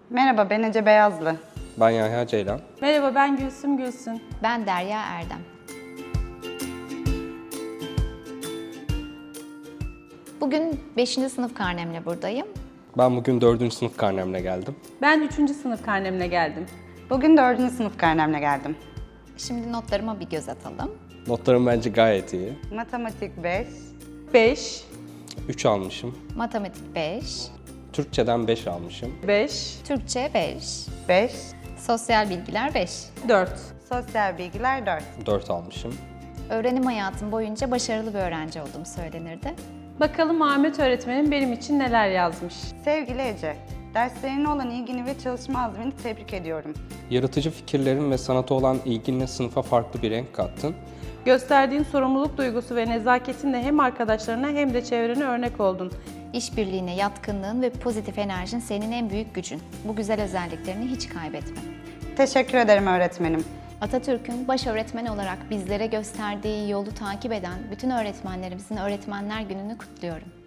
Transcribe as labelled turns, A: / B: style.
A: Merhaba, ben Ece Beyazlı.
B: Ben Yahya Ceylan.
C: Merhaba, ben Gülsüm Gülsün.
D: Ben Derya Erdem. Bugün 5. sınıf karnemle buradayım.
B: Ben bugün 4. sınıf karnemle geldim.
C: Ben 3. sınıf karnemle geldim.
A: Bugün 4. sınıf karnemle geldim.
D: Şimdi notlarıma bir göz atalım.
B: Notlarım bence gayet iyi.
A: Matematik 5,
C: 5,
B: 3 almışım.
D: Matematik 5,
B: Türkçeden 5 almışım.
C: 5,
D: Türkçe 5,
A: 5,
D: sosyal bilgiler 5.
C: 4.
A: sosyal bilgiler 4.
B: 4 almışım.
D: Öğrenim hayatım boyunca başarılı bir öğrenci olduğum söylenirdi.
C: Bakalım Ahmet öğretmenim benim için neler yazmış.
A: Sevgili Ece, derslerine olan ilgini ve çalışma azmini tebrik ediyorum.
B: Yaratıcı fikirlerin ve sanata olan ilginle sınıfa farklı bir renk kattın.
C: Gösterdiğin sorumluluk duygusu ve nezaketinle hem arkadaşlarına hem de çevrene örnek oldun.
D: İşbirliğine yatkınlığın ve pozitif enerjin senin en büyük gücün. Bu güzel özelliklerini hiç kaybetme.
A: Teşekkür ederim öğretmenim.
D: Atatürk'ün baş öğretmen olarak bizlere gösterdiği yolu takip eden bütün öğretmenlerimizin Öğretmenler Günü'nü kutluyorum.